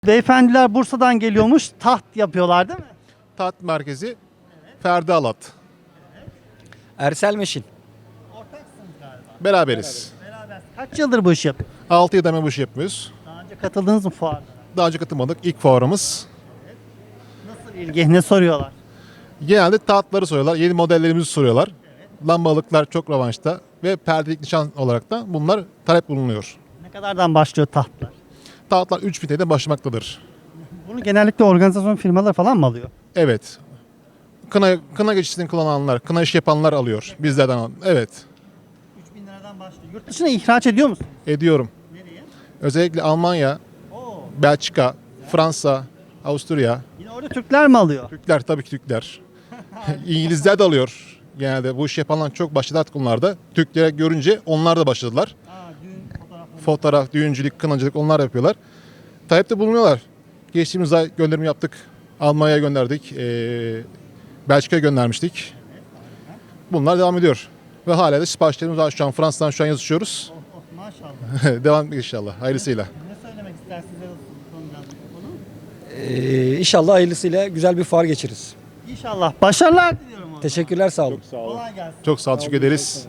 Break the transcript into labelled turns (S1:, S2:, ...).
S1: Beyefendiler Bursa'dan geliyormuş. Taht yapıyorlar değil mi?
S2: Taht merkezi Ferdi Alat.
S3: Ersel Meşin.
S1: Ortaksınız galiba.
S2: Beraberiz.
S1: Beraber. Kaç yıldır bu işi yapıyorsunuz?
S2: 6 yıldır bu işi yapıyoruz.
S1: Daha önce katıldınız mı fuarlara?
S2: Daha önce katılmadık. İlk fuarımız.
S1: Nasıl ilgi? Ne soruyorlar?
S2: Genelde tahtları soruyorlar. Yeni modellerimizi soruyorlar. Lambalıklar çok revaçta. Ve perdelik nişan olarak da bunlar talep bulunuyor.
S1: Ne kadardan başlıyor tahtlar?
S2: Tahtlar 3000 TL'den başlamaktadır.
S1: Bunu genellikle organizasyon firmaları falan mı alıyor?
S2: Evet. Kına geçişini kullananlar, kına iş yapanlar alıyor bizlerden. Evet.
S1: 3000 liradan başlıyor. Yurt dışına ihraç ediyor musun?
S2: Ediyorum.
S1: Nereye?
S2: Özellikle Almanya,
S1: Oo.
S2: Belçika, Fransa, Avusturya.
S1: Yine orada Türkler mi alıyor?
S2: Türkler, tabii ki Türkler. İngilizler de alıyor. Genelde bu iş yapanlar çok başladı artık onlarda. Türkleri görünce onlar da başladılar.
S1: Düğün fotoğrafları.
S2: Fotoğraf, düğüncülük, kınacılık onlar yapıyorlar. Talepte bulunuyorlar. Geçtiğimiz ay gönderimi yaptık. Almanya'ya gönderdik. Belçika'ya göndermiştik. Bunlar devam ediyor. Ve hala da siparişlerimiz var. Şu an Fransa'dan şu an yazışıyoruz.
S1: Maşallah.
S2: Devam inşallah. Hayırlısıyla.
S1: Ne söylemek istersiniz? Konu?
S3: İnşallah hayırlısıyla güzel bir fuar geçiririz.
S1: İnşallah. Başarılar diliyorum. o zaman.
S3: Teşekkürler, sağ olun.
S1: Kolay gelsin.
S2: Çok sağ ol. Teşekkür ederiz.